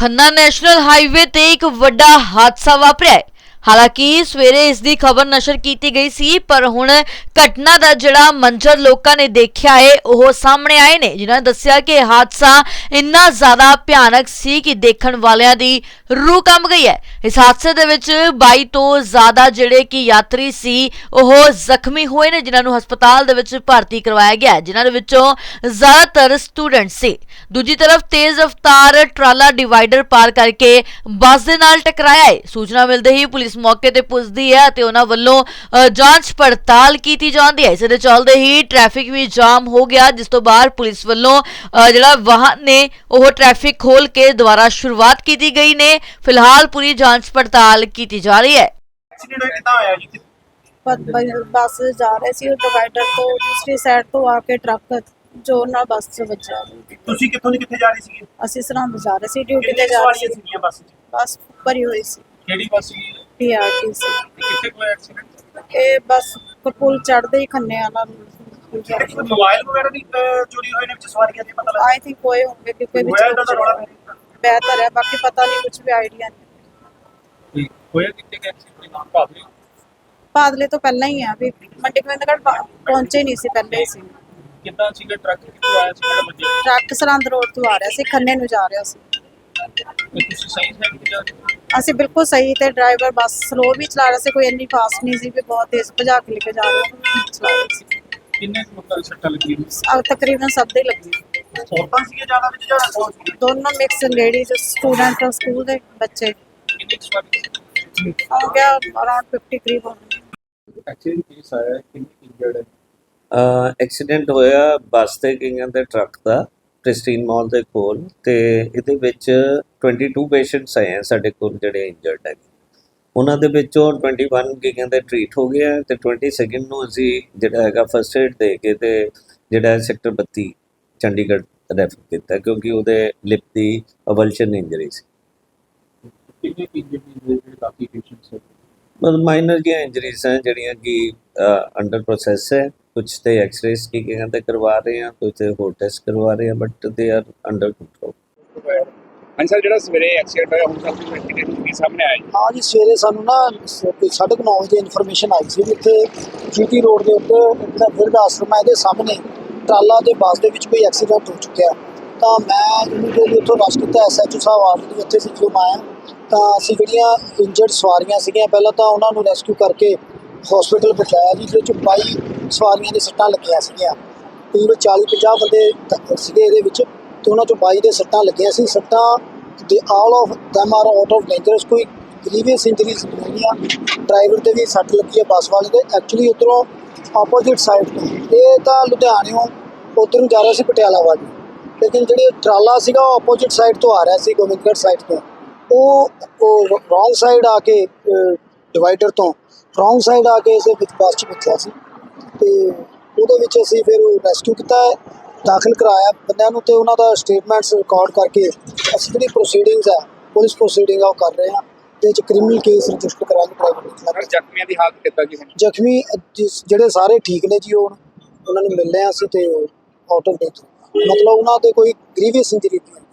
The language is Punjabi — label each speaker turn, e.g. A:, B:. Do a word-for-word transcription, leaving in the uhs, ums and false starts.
A: खन्ना नैशनल हाईवे ते एक वड्डा हादसा वापरिया है। हालांकि सवेरे इसकी खबर नशर की गई सी, पर हुण घटना का जिहड़ा मंजर लोगों ने देखा है वह सामने आए ने, जिन्होंने दस्सिया कि हादसा इन्ना ज्यादा भयानक सी कि देखण वालियां दी रूह कंब गई है। इस हादसे दे विच बाई तो ज्यादा जिहड़े कि यात्री सी वह जख्मी हुए ने, जिन्होंने हस्पताल दे विच भर्ती करवाया गया, जिन्हां दे विचों ज्यादातर स्टूडेंट सी। दूजी तरफ तेज रफ्तार ट्राला डिवाइडर पार करके बस दे नाल टकराया है। सूचना मिलते ही पुलिस मौके ते पुजदी है ते उन्हां वल्लों जांच पड़ताल की जाती है। इस दे चलदे ही ट्रैफिक भी जाम हो गया, जिस तो बाद पुलिस वल्लों जिहड़ा वाहन ने वह ट्रैफिक खोल के दोबारा शुरुआत की गई ने। फिलहाल पूरी जांच पड़ताल की जा रही है।
B: बस जा रहे सी डिवाइडर तो दूसरी साइड तो आके ट्रक जोर नाल बस च वज्जा।
C: ਤੁਸੀਂ ਕਿੱਥੋਂ ਦੀ ਕਿੱਥੇ ਜਾ ਰਹੇ ਸੀਗੇ?
B: ਅਸੀਂ ਸਰਹੰਦ ਜਾ ਰਹੇ ਸੀ, ਡਿਊਟੀ ਤੇ ਜਾ ਰਹੇ ਸੀ।
C: ਸੀਗੀਆਂ ਬੱਸ 'ਚ?
B: ਬਸ ਭਰੀ ਹੋਈ ਸੀ।
C: ਕਿਹੜੀ ਬੱਸ ਸੀ?
B: ਪੀਆਰਟੀਸੀ।
C: ਕਿੱਥੇ ਕੋਈ ਐਕਸੀਡੈਂਟ?
B: ਇਹ ਬਸ ਪੁਲ ਚੜਦੇ ਹੀ ਖੰਨੇ ਆਲਾ
C: ਮੋਬਾਈਲ ਵਗੈਰਾ ਦੀ ਚੋਰੀ ਹੋਏ ਨੇ ਵਿੱਚ ਸਵਾਰੀਆਂ ਦੇ ਪਤਾ ਲੱਗਾ?
B: ਆਈ ਥਿੰਕ ਹੋਏ ਹੋਣਗੇ ਕਿਉਂਕਿ ਵਿੱਚ ਬਿਹਤਰ ਹੈ, ਬਾਕੀ ਪਤਾ ਨਹੀਂ, ਕੁਝ ਵੀ ਆਈਡੀਆ ਨਹੀਂ।
C: ਹੋਇਆ ਕਿੱਥੇ ਕਿ ਐਕਸੀਡੈਂਟ ਨਾਮ ਭਾਵਲੇ?
B: ਬਾਦਲੇ ਤੋਂ ਪਹਿਲਾਂ ਹੀ ਆ ਵੀ ਮੰਡੀ ਗੋਬਿੰਦਗੜ੍ਹ ਪਹੁੰਚੇ ਨਹੀਂ ਸੀ, ਪਹਿਲੇ ਹੀ ਸੀ।
C: ਕਿੱਦਾਂ ਸੀਗਾ ਟਰੱਕ ਕਿੱਥੋਂ ਆਇਆ ਸੀ ਕਿਹੜਾ ਵੱਜਿਆ?
B: ਟਰੱਕ ਸਰਹੰਦ ਰੋਡ ਤੋਂ ਆ ਰਿਹਾ ਸੀ, ਖੰਨੇ ਨੂੰ ਜਾ ਰਿਹਾ ਸੀ।
C: ਤੁਸੀਂ ਸਹੀ ਸਾਈਡ ਤੇ ਜਾ ਰਹੇ ਸੀ?
B: ਅਸੀਂ ਬਿਲਕੁਲ ਸਹੀ ਤੇ ਡਰਾਈਵਰ ਬਸ ਸਲੋ ਵੀ ਚਲਾ ਰਿਹਾ ਸੀ, ਕੋਈ ਇੰਨੀ ਫਾਸਟ ਨਹੀਂ ਸੀ ਵੀ ਬਹੁਤ ਤੇਜ਼ ਭਜਾ ਕੇ ਲੈ ਕੇ ਜਾ ਰਿਹਾ ਚਲਾ ਰਿਹਾ ਸੀ।
C: ਕਿੰਨੇ ਕੁ ਲੋਕਾਂ ਦੀ ਸੱਟਾਂ ਲੱਗੀਆਂ?
B: ਅਹ ਤਕਰੀਬਨ ਸਭ ਦੇ ਲੱਗੀ।
C: ਔਰਤਾਂ ਸੀਗੇ ਜ਼ਿਆਦਾ ਵਿੱਚ ਜਾਂ ਔਰਤਾਂ ਸੀਗੇ?
B: ਦੋਨੋਂ ਮਿਕਸ ਲੇਡੀਜ਼ ਸਟੂਡੈਂਟ ਸਕੂਲ ਦੇ ਬੱਚੇ।
C: ਕਿੰਨੇ ਕੁ ਸਵਾਰੀ?
B: ਹੋ ਗਿਆ ਅਰਾਊਂਡ ਫਿਫਟੀ ਕਰੀਬ ਹੋਣਗੇ।
C: ਐਕਸੀਡੈਂਟ ਕੇਸ ਆਇਆ, ਕਿੰਨੀ ਇੰਜਰਡ ਹੈ?
D: ਐਕਸੀਡੈਂਟ ਹੋਇਆ ਬੱਸ ਤੇ ਗਈਆਂ ਤੇ ਟਰੱਕ ਦਾ ਪ੍ਰਿਸਟੀਨ ਮਾਲ ਦੇ ਕੋਲ, ਤੇ ਇਹਦੇ ਵਿੱਚ ਬਾਈ ਪੇਸ਼ੈਂਟਸ ਆਏ ਆ ਸਾਡੇ ਕੋਲ ਜਿਹੜੇ ਇੰਜਰਡ ਹੈਗੇ। ਉਹਨਾਂ ਦੇ ਵਿੱਚੋਂ ਇਕੱਤੀ ਗਈਆਂ ਦੇ ਟ੍ਰੀਟ ਹੋ ਗਿਆ ਤੇ ਬਾਈਸ ਨੂੰ ਅਸੀਂ ਜਿਹੜਾ ਹੈਗਾ ਫਸਟ ਏਡ ਦੇ ਕੇ ਤੇ ਜਿਹੜਾ ਸੈਕਟਰ ਬੱਤੀ ਚੰਡੀਗੜ੍ਹ ਰੈਫਰ ਕੀਤਾ, ਕਿਉਂਕਿ ਉਹਦੇ ਲਿਪ ਦੀ ਅਵਲਸ਼ਨ ਇੰਜਰੀ ਸੀ।
C: ਕਿੰਨੇ ਇੰਜਰਡ ਨੇ ਕਾਫੀ ਪੇਸ਼ੈਂਟਸ?
D: ਮਤਲਬ ਮਾਈਨਰ ਜਿਹੀਆਂ ਇੰਜਰੀਜ਼ हैं ਜਿਹੜੀਆਂ ਕਿ ਅੰਡਰ ਪ੍ਰੋਸੈਸ ਹੈ। कुछ तो एक्सरेज की गए तो करवा रहे हैं, कुछ होर टेस्ट करवा रहे हैं, but they are under control.
C: ਹਾਂ ਸਰ, ਜਿਹੜਾ ਸਵੇਰੇ ਐਕਸੀਡੈਂਟ ਹੋਇਆ ਹੁਣ ਤੱਕ ਇਨਵੈਸਟੀਗੇਸ਼ਨ ਕੀ ਸਾਹਮਣੇ ਆਇਆ?
E: हाँ जी, सवेरे सानू ना साढ़े नौ बजे इन्फॉर्मेशन आई सी इत्थे जीटी रोड के उत्ते इतना बिरध आश्रम है, इहदे सामने ट्राला ते ਬੱਸ ਦੇ ਵਿੱਚ कोई एक्सीडेंट हो चुका है। तो मैं इमीडिएटली उत्थों रश किया, एस एच ओ साहब ऑलरेडी उत्थे सी। जो मैं आया तो असीं ਜਿਹੜੀਆਂ इंजर्ड सवारियां सीगियां ਪਹਿਲਾਂ ਤਾਂ ਉਹਨਾਂ ਨੂੰ ਰੈਸਕਿਊ ਕਰਕੇ हॉस्पिटल पहुँचाया जी, जिस बाई सवारियां दी सट्टां लगियां सीगियां। तकरीबन चाली पचास बंदे सीगे इहदे विच, ते उन्हां चों बाई दे सट्टां लगियां सी। सट्टां दे all of them are out of dangerous, कोई ग्रीवियस इंजरीज नहीं होईयां। ड्राइवर ते भी सट्ट लगी है बस वाले दे। एक्चुअली उधरों ऑपोजिट साइड तो ये तो लुधियाणों उधर जा रहा सी पटियाला वाली, लेकिन जिहड़ी ट्राला सीगा ऑपोजिट साइड तो आ रहा सी गोबिंदगढ़ साइड तो, वो रॉन्ग साइड आके डिवाइडर तो रॉन्ग साइड आके इसे बस च बचा सी। ते ਉਹਦੇ ਵਿੱਚ ਅਸੀਂ ਫਿਰ ਰੈਸਕਿਊ ਕੀਤਾ, ਦਾਖਲ ਕਰਾਇਆ ਬੰਦਿਆਂ ਨੂੰ, ਤੇ ਉਹਨਾਂ ਦਾ ਸਟੇਟਮੈਂਟਸ ਰਿਕਾਰਡ ਕਰਕੇ ਅਸੀਂ ਜਿਹੜੀ ਪ੍ਰੋਸੀਡਿੰਗਸ ਹੈ ਪੁਲਿਸ ਪ੍ਰੋਸੀਡਿੰਗ ਆ ਉਹ ਕਰ ਰਹੇ ਹਾਂ, ਤੇ ਚ ਕ੍ਰਿਮੀਨਲ ਕੇਸ ਰਜਿਸਟਰ ਕਰਾਂਗੇ ਡਰਾਈਵਰ ਦੇ।
C: ਜ਼ਖਮੀਆਂ ਦੀ ਹਾਲਤ ਕਿੱਦਾਂ ਜੀ?
E: ਜ਼ਖਮੀ ਜਿਹੜੇ ਸਾਰੇ ਠੀਕ ਨੇ ਜੀ, ਉਹ ਉਹਨਾਂ ਨੂੰ ਮਿਲ ਰਹੇ ਹਾਂ ਅਸੀਂ, ਤੇ ਆਊਟ ਆਫ ਡੇਂਜਰ, ਮਤਲਬ ਉਹਨਾਂ ਤੇ ਕੋਈ ਗ੍ਰੀਵੀਅਸ ਇੰਜਰੀ ਨਹੀਂ।